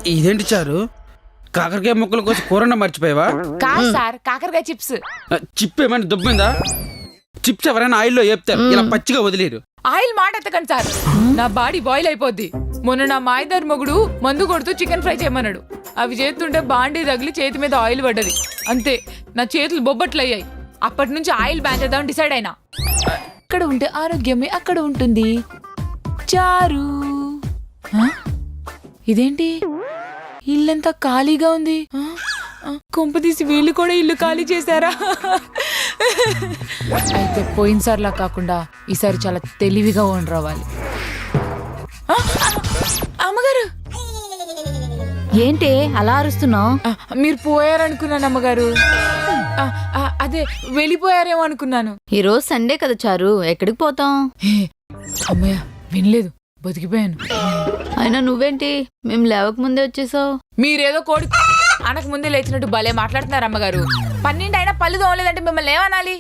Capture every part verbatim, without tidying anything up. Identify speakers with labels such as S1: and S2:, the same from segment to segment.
S1: ఇదేంటి చారు, కాకరకాయ ముక్కల కోసం కూరన్న మర్చిపోయావా?
S2: కాదు సార్, కాకరకాయ చిప్స్.
S1: చిప్ ఏమైనా దుబ్బిందా? చిప్స్ ఎవరైనా ఆయిల్లో వేపుతారు, ఇలా పచ్చిగా వదిలేరు.
S2: ఆయిల్ మాట ఎత్తకండి సార్, నా బాడీ బాయిల్ అయిపోద్ది. మొన్న నా మాయదారి మొగుడు మందు కొడుతూ చికెన్ ఫ్రై చేయమన్నాడు. అవి చేస్తుంటే బాండీ తగిలి చేతి మీద ఆయిల్ పడ్డది. అంతే, నా చేతులు బొబ్బట్లు అయ్యాయి. అప్పటి నుంచి ఆయిల్ బ్యాన్ చేద్దామని డిసైడ్ అయినా. ఇక్కడ ఉంటే ఆరోగ్యమే అక్కడ ఉంటుంది. చారు ఇదేంటి ఇల్లంతా ఖాళీగా ఉంది? కొంపదీసి వీళ్ళు కూడా ఇల్లు ఖాళీ చేశారా? అయితే పోయినసారిలా కాకుండా ఈసారి చాలా తెలివిగా ఉండరావాలి. అమ్మగారు
S3: ఏంటి అలా అరుస్తున్నావు?
S2: మీరు పోయారనుకున్నాను అమ్మగారు. అదే వెళ్ళిపోయారేమో అనుకున్నాను.
S3: ఈ రోజు సండే కదా చారు, ఎక్కడికి పోతాం?
S2: అమ్మయ్య వినలేదు, బతికిపోయాను.
S3: అయినా నువ్వేంటి మేము లేవక ముందే వచ్చేసావు?
S2: మీరేదో కోడి అనక ముందే లేచినట్టు భలే మాట్లాడుతున్నారు అమ్మగారు. పన్నెండు అయినా పళ్ళు తోమలేదంటే మిమ్మల్ని ఏమనాలి?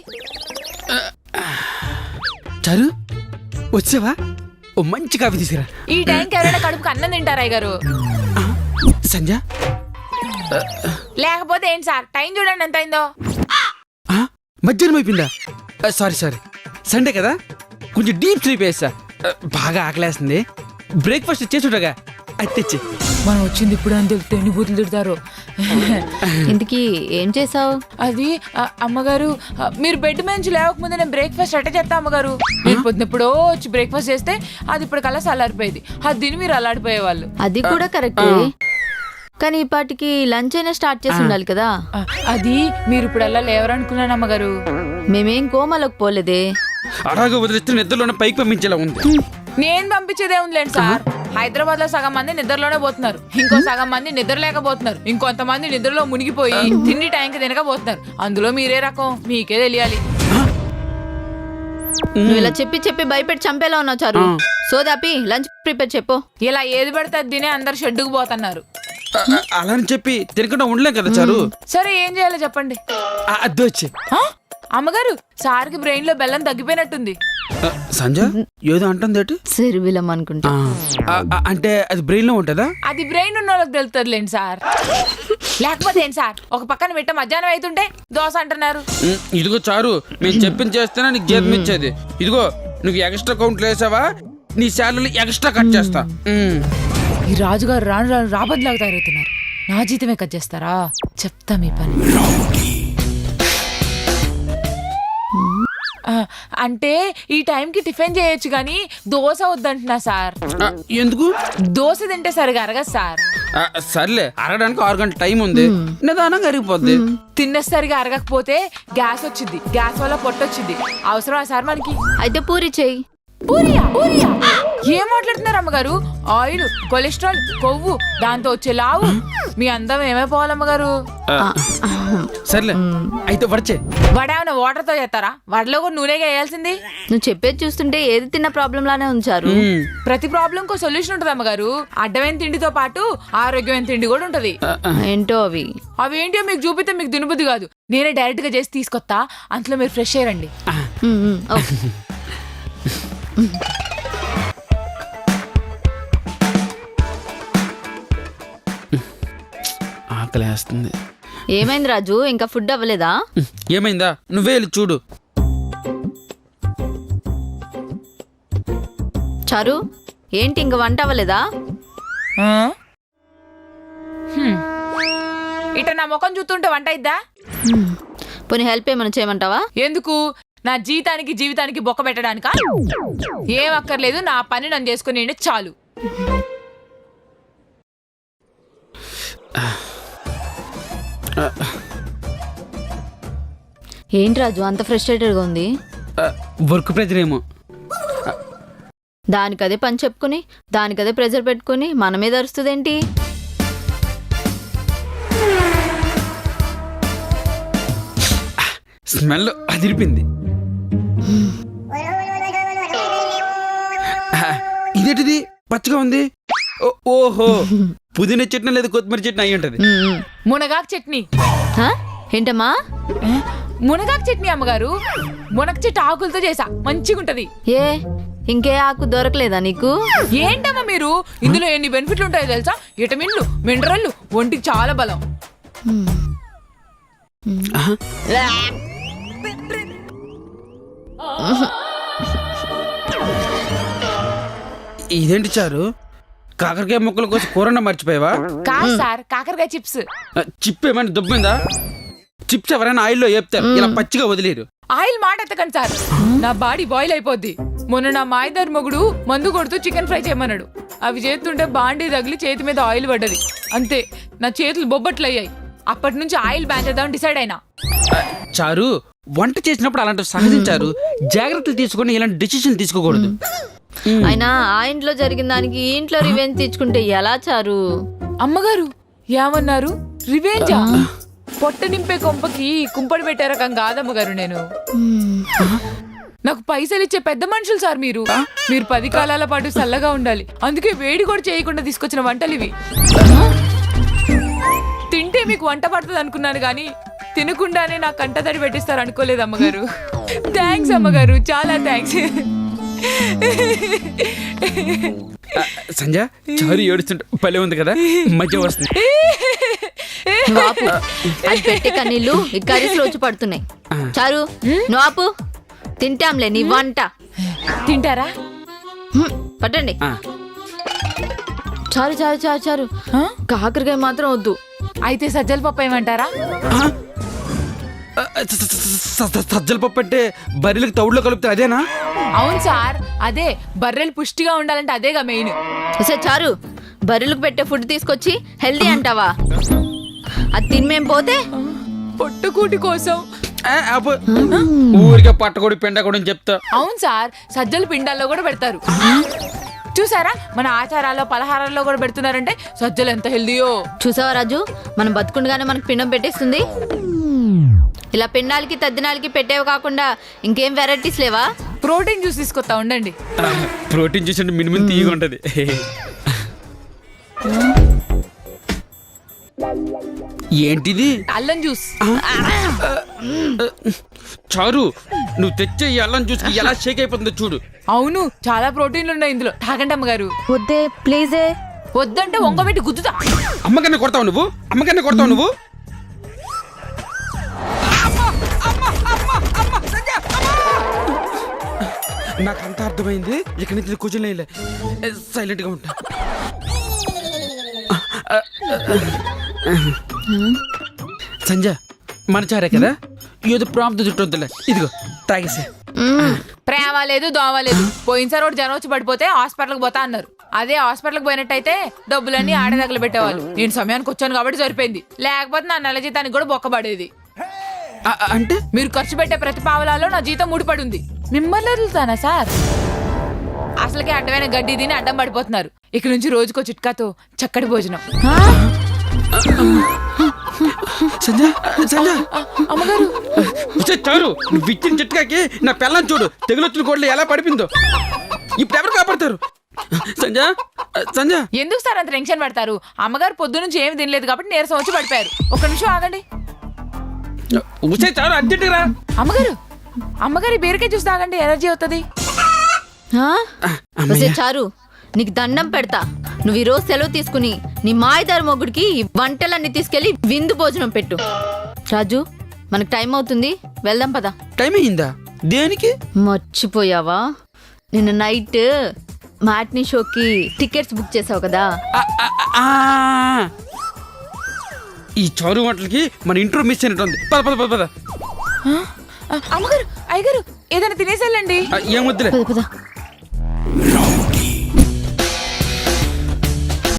S1: చారు వచ్చావా? ఓ మంచి కాఫీ తీసుకురా.
S2: ఈ టైంకి ఎవరైనా కడుపుకి అన్నం తింటారా గారు?
S1: సంజ
S2: లేకపోతే ఏంటి సార్, టైం చూడండి ఎంత అయిందో.
S1: మధ్యాహ్నం అయిపోయిందా? సారీ సారీ, సండే కదా కొంచెం డీప్ స్లీప్ వేస్తా. బాగా ఆకలేస్తుంది, బ్రేక్ఫాస్ట్ చేస్తుండగా అది తెచ్చి.
S2: మనం వచ్చింది ఇప్పుడు అని తెలిస్తే ఎన్ని బూతులు తిడతారు.
S3: ఇంతకీ ఏం చేసావు?
S2: అది అమ్మగారు, మీరు బెడ్ నుంచి లేవకముందే నేను బ్రేక్ఫాస్ట్ అట్ట చేస్తా అమ్మగారు. మీరు పొద్దునెప్పుడో వచ్చి బ్రేక్ఫాస్ట్ చేస్తే అది ఇప్పుడు కల్లా చల్లారిపోయేది. అది తిని మీరు అల్లాడిపోయేవాళ్ళు.
S3: అది కూడా కరెక్టే, కానీ ఈ పాటికి లంచ్ అయినా స్టార్ట్ చేసి ఉండాలి కదా.
S2: అది మీరు ఇప్పుడు అలా లేవరనుకున్నాను అమ్మగారు.
S3: మేమేం కోమలోకి పోలేదే.
S1: అలాగే వదిలిస్తే నిద్రలోనే పైకి పంపించేలా ఉంది.
S2: నేను పంపించేదే ఉందిలేండి సార్. హైదరాబాద్ లో సగం మంది నిద్రలోనే పోతున్నారు, ఇంకో సగం మంది నిద్ర లేకపోతున్నారు, ఇంకొంతమంది నిద్రలో మునిగిపోయి తిండి టైంకి తినకపోతున్నారు. అందులో మీరే రకం, మీకే తెలియాలి.
S3: నువ్వు ఇలా చెప్పి చెప్పి భయపెట్టి చంపేలా ఉన్నావు చారు. సోదాపి లంచ్ ప్రిపేర్ చెప్పు.
S2: ఇలా ఏది పడితే అది తినే అందరు షెడ్డుకు పోతున్నారు.
S1: అలా అని చెప్పి తినకుండా ఉండలేం కదా చారు.
S2: సరే ఏం చేయాలో చెప్పండి.
S1: అద్దె వచ్చి
S2: అమ్మగారు, సార్కి బ్రెయిన్ లో బెల్లం తగ్గిపోయినట్టుంది.
S1: సంజ ఏదో అంటుంది.
S3: సిరివిలం అనుకుంటా.
S1: అంటే అది బ్రెయిన్ లో ఉంటుందా?
S2: అది బ్రెయిన్ ఉన్న వాళ్ళకి తెలుస్తుందిలేండి సార్. లేకపోతే ఏంటి సార్, ఒక పక్కన పెట్ట మధ్యాహ్నం అవుతుంటే దోశ అంటున్నారు.
S1: ఇదిగో చారు, మేము చెప్పింది చేస్తేనే నీకు జీతం ఇచ్చేది. ఇదిగో నువ్వు ఎక్స్ట్రా కౌంట్లు వేసావా, నీ శాలరీ ఎక్స్ట్రా కట్ చేస్తా.
S2: ఈ రాజుగారు రాను రాను రాబద్దులాగా తయారవుతున్నారు. నా జీతమే కట్ చేస్తారా? చెప్తా మీ పని. అంటే ఈ టైంకి టిఫిన్ చేయొచ్చు కానీ దోశ వద్దంటున్నా సార్.
S1: ఎందుకు?
S2: దోశ తింటే సరిగా అరగదు సార్.
S1: సర్లే, అరగడానికి ఆరు గంటల టైం ఉంది, నిదానంగా అరిగిపోద్ది.
S2: తిన్న సరిగా అరగకపోతే గ్యాస్ వచ్చింది, గ్యాస్ వల్ల పొట్టొచ్చింది. అవసరమా సార్ మనకి?
S3: అయితే పూరి చెయ్యి.
S2: పూరియా? పూరియా? ఏం మాట్లాడుతున్నారు అమ్మగారు? ఆయిల్, కొలెస్ట్రాల్, కొవ్వు, దాంతో వచ్చే లావు, మీ అందం ఏమైపోవాలమ్మగారు?
S1: సర్లే అయితే వడచే.
S2: వడ ఏమైనా వాటర్ తో చేస్తారా? వడలో కూడా నూనెగా వేయాల్సింది.
S3: నువ్వు చెప్పేది చూస్తుంటే ఏది తిన్న ప్రాబ్లం లానే ఉంచారు.
S2: ప్రతి ప్రాబ్లం కో సొల్యూషన్ ఉంటుంది అమ్మగారు. అడ్డమైన తిండితో పాటు ఆరోగ్యమైన తిండి కూడా ఉంటది.
S3: ఏంటో అవి?
S2: అవి ఏంటో మీకు చూపితే మీకు దినబుద్ధి కాదు. నేనే డైరెక్ట్ గా చేసి తీసుకొస్తా, అంతలో మీరు ఫ్రెష్ అయ్యండి.
S1: ఆకలేస్తుంది.
S3: ఏమైంది రాజు, ఇంకా ఫుడ్ అవ్వలేదా?
S1: ఏమైందా, నువ్వే వెళ్ళి చూడు.
S3: చారు ఏంటి ఇంక వంట అవ్వలేదా?
S2: ఇట నా ముఖం చూస్తుంటే వంట అయిద్దా?
S3: పోనీ హెల్ప్ ఏమైనా చేయమంటావా?
S2: ఎందుకు? నా జీతానికి జీవితానికి బొక్క పెట్టడానికా? ఏం అక్కర్లేదు, నా పని నన్ను చేసుకుని చాలు.
S3: ఏంటి రాజు అంత ఫ్రస్ట్రేటెడ్గా ఉంది?
S1: వర్క్ ప్రెజర్ ఏమో.
S3: దానికదే పని చెప్పుకుని దానికదే ప్రెజర్ పెట్టుకుని మన మీద అరుస్తుందేంటి?
S1: స్మెల్ అదిరిపింది. ఇదేంటిది పచ్చగా ఉంది? ఓహో, పుదీనా చట్నీ లేదు కొత్తిమీర చట్నీ అయ్యి ఉంటది.
S2: మునగాకు చట్నీ.
S3: ఏంటమ్మా?
S2: మునగాకు చట్నీ అమ్మగారు. మునగ చెట్టు ఆకులతో చేసా, మంచిగా ఉంటది.
S3: ఏ ఇంకే ఆకు దొరకలేదా నీకు?
S2: ఏంటమ్మా మీరు, ఇందులో ఎన్ని బెనిఫిట్లు ఉంటాయో తెలుసా? విటమిన్లు, మినరల్లు, ఒంటికి చాలా బలం.
S1: ఇదేంటి చారు, కాకరకాయ ముక్కల కోసం కూరన్న మర్చిపోయావా?
S2: కాదు సార్, కాకరకాయ చిప్స్.
S1: చిప్ ఏమైనా దుబ్బిందా? చిప్స్ ఎవరైనా ఆయిల్లో వేపుతారు, ఇలా పచ్చిగా వదిలేరు.
S2: ఆయిల్ మాట ఎత్తకండి సార్, నా బాడీ బాయిల్ అయిపోద్ది. మొన్న నా మాయదారి మొగుడు మందు కొడుతూ చికెన్ ఫ్రై చేయమన్నాడు. అవి చేస్తుంటే బాండీ తగిలి చేతి మీద ఆయిల్ పడ్డది. అంతే, నా చేతులు బొబ్బట్లు అయ్యాయి. అప్పటి నుంచి ఆయిల్ బ్యాన్ చేద్దామని డిసైడ్ అయినా.
S1: చారు, వంట చేసినప్పుడు అలాంటివి సహజించారు. జాగ్రత్తలు తీసుకొని ఇలాంటి డెసిషన్ తీసుకోకూడదు.
S3: అయినా ఆ ఇంట్లో జరిగిన దానికి ఈ ఇంట్లో రివెంజ్ తెచ్చుకుంటే ఎలా చారు?
S2: అమ్మగారు ఏమన్నారు? రివెంజా? పొట్ట నింపే కొంపకి కుంపడి పెట్టే రకం కాదమ్మగారు నేను. నాకు పైసలు ఇచ్చే పెద్ద మనుషులు సార్ మీరు. మీరు పది కాలాల పాటు చల్లగా ఉండాలి, అందుకే వేడి కూడా చేయకుండా తీసుకొచ్చిన వంటలు ఇవి. తింటే మీకు వంట పడుతుంది అనుకున్నాను కానీ తినకుండానే నా కంట తడి పెట్టిస్తారు అనుకోలేదు అమ్మగారు. థ్యాంక్స్ అమ్మగారు, చాలా థ్యాంక్స్.
S1: సంజ, చారు ఏడుస్తుంటే భలే ఉంది కదా, మధ్య వస్తుంది.
S3: నువ్వు అది పెట్టే కన్నీళ్ళు ఈ కర్రీస్ రోజు పడుతున్నాయి. చారు నువ్వు ఆపు, తింటాంలే నీ వంట.
S2: తింటారా?
S3: హ్మ్, పట్టండి. చారు చారు చారు చారు కాకరకాయ మాత్రం వద్దు.
S2: అయితే సజ్జల పప్పు ఏమంటారా?
S1: సజ్జల పప్పు అంటే బర్రెలకు తౌడులో కలుపుతారు, అదేనా?
S2: అవును సార్, అదే. బర్రెలు పుష్టిగా ఉండాలంటే అదేగా మెయిన్.
S3: సరే చారు, బర్రెలకు పెట్టే ఫుడ్ తీసుకొచ్చి హెల్దీ అంటావా? అది తిని పోతే
S2: పొట్టుకూటి కోసం
S1: ఊరికే పట్టకూడి పిండకూడని చెప్తా.
S2: అవును సార్, సజ్జల పిండాల్లో కూడా పెడతారు. చూసారా, మన ఆచారాల్లో పలహారాల్లో కూడా పెడుతున్నారంటే సజ్జలు ఎంత హెల్దీయో.
S3: చూసావా రాజు, మనం బతుకుండగానే మనకు పిండం పెట్టేస్తుంది. ఇలా పిండాలకి తద్దినాలకి పెట్టేవి కాకుండా ఇంకేం వెరైటీస్ లేవా?
S2: ప్రోటీన్ జ్యూస్ తీసుకొస్తా ఉండండి.
S1: ప్రోటీన్ జ్యూస్ అంటే మినిమం తీయగా ఉంటది. ఏంటిది?
S2: అల్లం జ్యూస్.
S1: చారు, నువ్వు తెచ్చే ఈ అల్లం జ్యూస్ ఎలా షేక్ అయిపోతుందో చూడు.
S2: అవును, చాలా ప్రోటీన్లు ఉన్నాయి ఇందులో. తాగండి అమ్మగారు.
S3: వద్దే ప్లీజే.
S2: వద్దంటే వంగబెట్టి గుద్దుతా.
S1: అమ్మకన్నా కొడతావు నువ్వు, అమ్మకన్నా కొడతావు నువ్వు. నాకు అంత అర్థమైంది, ఇక్కడి నుంచి కూర్చొని సైలెంట్ గా ఉంటా. సంజ, మన చారే కదా, ఏదో ప్రాంప్ట్ చుట్టొద్దులే. ఇదిగో తాగేసే.
S2: ప్రేమ లేదు, దోమ లేదు. పోయినసారి ఒకటి జనం వచ్చి పడిపోతే హాస్పిటల్కి పోతా అన్నారు. అదే హాస్పిటల్కి పోయినట్టయితే డబ్బులన్నీ ఆడే దగ్గర పెట్టేవాళ్ళు. నేను సమయానికి వచ్చాను కాబట్టి సరిపోయింది, లేకపోతే నా నెల జీతానికి కూడా బొక్కబడేది.
S1: అంటే
S2: మీరు ఖర్చు పెట్టే ప్రతి పావలాలో నా జీతం ముడిపడి ఉంది. మిమ్మల్ని వదులుతానా సార్? అసలుకే అడ్డమైన గడ్డి తిని అడ్డం పడిపోతున్నారు. ఇక నుంచి రోజుకో చిట్కాతో చక్కటి భోజనం. అమ్మగారు
S1: చారు, నువ్వు ఇచ్చిన చిట్కాకి నా పిల్లని చూడు, తెగులొచ్చిన కోడలు ఎలా పడిపోయిందో. ఇప్పుడు ఎవరు కాపాడతారు? సంజ సంజ
S2: ఎందుకు సార్ అంత టెన్షన్ పడతారు? అమ్మగారు పొద్దు నుంచి ఏమి తినలేదు కాబట్టి నీరసం వచ్చి పడిపోయారు. ఒక్క నిమిషం ఆగండి.
S1: చారు, అర్జెంట్ రా.
S2: అమ్మగారు అమ్మగారి బీరకాయ జ్యూస్ తాగండి, ఎనర్జీ అవుతుంది.
S3: చారు, నీకు దండం పెడతా. నువ్వు ఈ రోజు సెలవు తీసుకుని నీ మాయదారి మొగుడికి ఈ వంటలన్నీ తీసుకెళ్లి విందు భోజనం పెట్టు. రాజు, మనకు టైం అవుతుంది, వెళ్దాం పదా.
S1: టైం అయిందా? దేనికి?
S3: మర్చిపోయావా? నిన్న నైట్ మ్యాట్నీ షోకి టికెట్స్ బుక్ చేసావు కదా.
S1: ఈ చారు వంటలకి మన ఇంట్రో మిస్ అయినట్టుంది. పద పద పద పద.
S2: అమ్మగారు, అయ్యగారు, ఏదైనా తినేసేళ్ళండి.
S1: ఏం వద్దులే.
S3: పద పద.